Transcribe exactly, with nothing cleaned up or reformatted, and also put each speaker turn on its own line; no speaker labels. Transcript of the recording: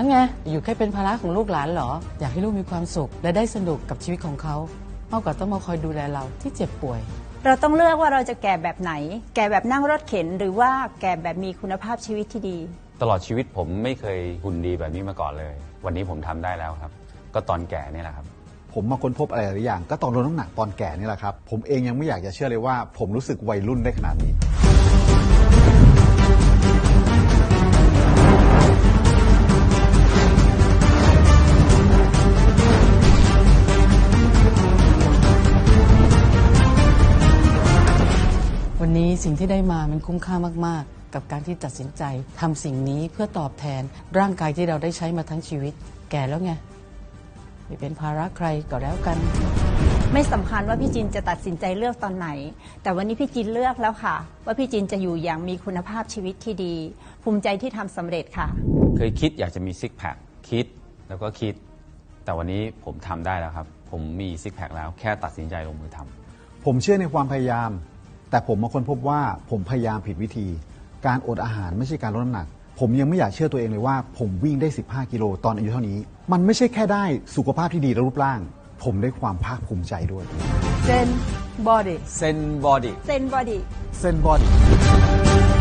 ไงอยู่แค่เป็นภาระของลูกหลานเหรออยากให้ลูกมีความสุขและได้สนุกกับชีวิตของเขามากกว่าต้องมาคอยดูแลเราที่เจ็บป่วย
เราต้องเลือกว่าเราจะแก่แบบไหนแก่แบบนั่งรถเข็นหรือว่าแก่แบบมีคุณภาพชีวิตที่ดี
ตลอดชีวิตผมไม่เคยหุ่นดีแบบนี้มาก่อนเลยวันนี้ผมทำได้แล้วครับก็ตอนแก่นี่แหละครับ
ผมมาค้นพบอะไรหลายอย่างก็ตอนลดน้ำหนักตอนแก่นี่แหละครับผมเองยังไม่อยากจะเชื่อเลยว่าผมรู้สึกวัยรุ่นได้ขนาดนี้
วันนี้สิ่งที่ได้มามันคุ้มค่ามากๆกับการที่ตัดสินใจทำสิ่งนี้เพื่อตอบแทนร่างกายที่เราได้ใช้มาทั้งชีวิตแก่แล้วไงไม่เป็นภาระใครก็แล้วกัน
ไม่สำคัญว่าพี่จินจะตัดสินใจเลือกตอนไหนแต่วันนี้พี่จินเลือกแล้วค่ะว่าพี่จินจะอยู่อย่างมีคุณภาพชีวิตที่ดีภูมิใจที่ทำสำเร็จค่ะ
เคยคิดอยากจะมีซิกแพคคิดแล้วก็คิดแต่วันนี้ผมทำได้แล้วครับผมมีซิกแพคแล้วแค่ตัดสินใจลงมือทำ
ผมเชื่อในความพยายามแต่ผมมาค้นพบว่าผมพยายามผิดวิธีการอดอาหารไม่ใช่การลดน้ำหนักผมยังไม่อยากเชื่อตัวเองเลยว่าผมวิ่งได้สิบห้ากิโลตอนอายุเท่านี้มันไม่ใช่แค่ได้สุขภาพที่ดีและรูปร่างผมได้ความภาคภูมิใจด้วย
เซนบอดี้
เซนบอดี้
เซนบอดี้
เซนบอดี้